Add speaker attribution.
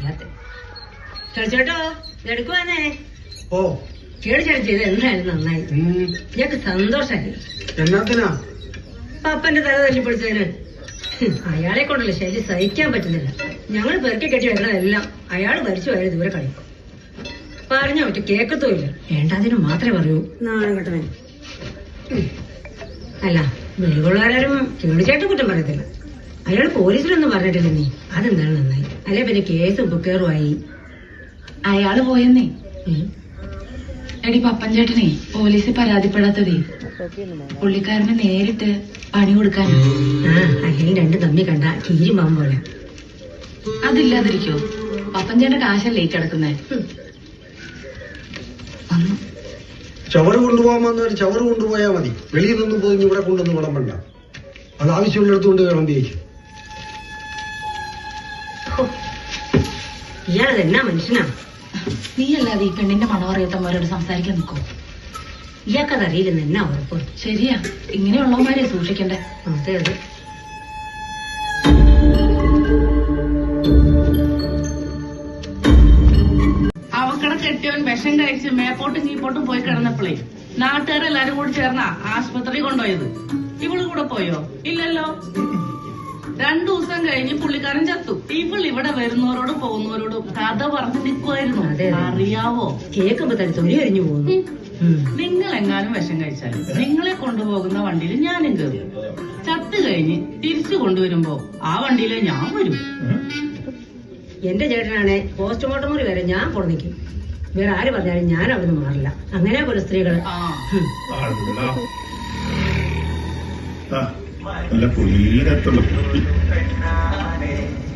Speaker 1: വല്ലാത്ത കളിച്ചോട്ടോ എടുക്കുവാനേ
Speaker 2: ഓ
Speaker 1: കേടിച്ചാടി ചെയ്ത് എന്തായാലും നന്നായി. ഞങ്ങക്ക് സന്തോഷായി.
Speaker 2: എന്നാത്തിനാ?
Speaker 1: പപ്പന്റെ തല തല്ലിപ്പൊളിച്ചതിന്. അയാളെ കൊണ്ടല്ലേ ശരി സഹിക്കാൻ പറ്റുന്നില്ല. ഞങ്ങൾ പെറുക്കി കെട്ടി വരുന്നതെല്ലാം അയാൾ ഭരിച്ചു പോയാൽ ദൂരെ കളിക്കും. പറഞ്ഞ ഒറ്റ കേക്കത്തുമില്ല. വേണ്ടാതിന് മാത്രമേ പറയൂ. നാളെ കേട്ടവൻ അല്ല വെളിവുള്ളവരാരും കേടിച്ചായിട്ട് കുറ്റം പറയത്തില്ല. അയാൾ പോലീസിലൊന്നും പറഞ്ഞിട്ടില്ല. നീ അതെന്താണ് നന്നായി. അല്ലെ പിന്നെ കേസും ബുക്കേറുമായി.
Speaker 3: അയാള് പോയെന്നേ. എടി പപ്പൻ ചേട്ടനെ പോലീസ് പരാതിപ്പെടാത്തതേ പുള്ളിക്കാരന് നേരിട്ട് പണി കൊടുക്കാൻ.
Speaker 1: അല്ലെങ്കിൽ രണ്ടു തമ്മി കണ്ട കീരിമാവും പോലെ.
Speaker 3: അതില്ലാതിരിക്കോ? പപ്പൻ ചേട്ടൻ കാശല്ലേ കിടക്കുന്നേ.
Speaker 2: ചവറ് കൊണ്ടുപോകാൻ വന്നവര് ചവറ് കൊണ്ടുപോയാ മതി. വെളിയിൽ നിന്നും പോയി ഇവിടെ കൊണ്ടൊന്നും വിളമ്പണ്ട. അത് ആവശ്യമുള്ളിടത്തുകൊണ്ട് വിളമ്പിയേക്കും.
Speaker 1: ഇയാളത് എന്നാ മനുഷ്യനാ?
Speaker 3: നീ അല്ലാതെ ഈ പെണ്ണിന്റെ മണം അറിയാത്തവരോട് സംസാരിക്കാൻ നിൽക്കോ?
Speaker 1: ഇയാൾക്കത് അറിയില്ലെന്ന് എന്നാ ഉറപ്പ്?
Speaker 3: ശരിയാ, ഇങ്ങനെയുള്ളവന്മാരെ സൂക്ഷിക്കണ്ടേ.
Speaker 1: അതെ അതെ.
Speaker 4: അവക്കടെ കെട്ടിയവൻ വിഷം കഴിച്ച് മേപ്പോട്ടും കീപ്പോട്ടും പോയി കിടന്നപ്പോഴേ നാട്ടുകാരെല്ലാരും കൂടി ചേർന്ന ആശുപത്രി കൊണ്ടുപോയത്. ഇവള് കൂടെ പോയോ? ഇല്ലല്ലോ. 2 ദിവസം കഴിഞ്ഞ് പുള്ളിക്കാരൻ ചത്തു. ഇവൾ ഇവിടെ വരുന്നവരോടും പോകുന്നവരോടും കഥ പറഞ്ഞു നിൽക്കുമായിരുന്നു. അറിയാവോ?
Speaker 1: കേൾക്കുമ്പോ തന്നെ തൊലി കഴിഞ്ഞു പോകുന്നു.
Speaker 4: നിങ്ങൾ എങ്ങാനും വിഷം കഴിച്ചാൽ നിങ്ങളെ കൊണ്ടുപോകുന്ന വണ്ടിയിൽ ഞാനും കയറും. ചത്ത് കഴിഞ്ഞ് തിരിച്ചു കൊണ്ടുവരുമ്പോ ആ വണ്ടിയിലെ ഞാൻ വരും.
Speaker 1: എന്റെ ചേട്ടനാണെ പോസ്റ്റ്മോർട്ടം മുറി വരെ ഞാൻ കൊടുന്നിക്കും. വേറെ ആര് പറഞ്ഞാലും ഞാൻ അവിടുന്ന് മാറില്ല. അങ്ങനെ പോലെ സ്ത്രീകള്.
Speaker 5: നല്ല പുള്ളിയിലെത്തുള്ളൂ.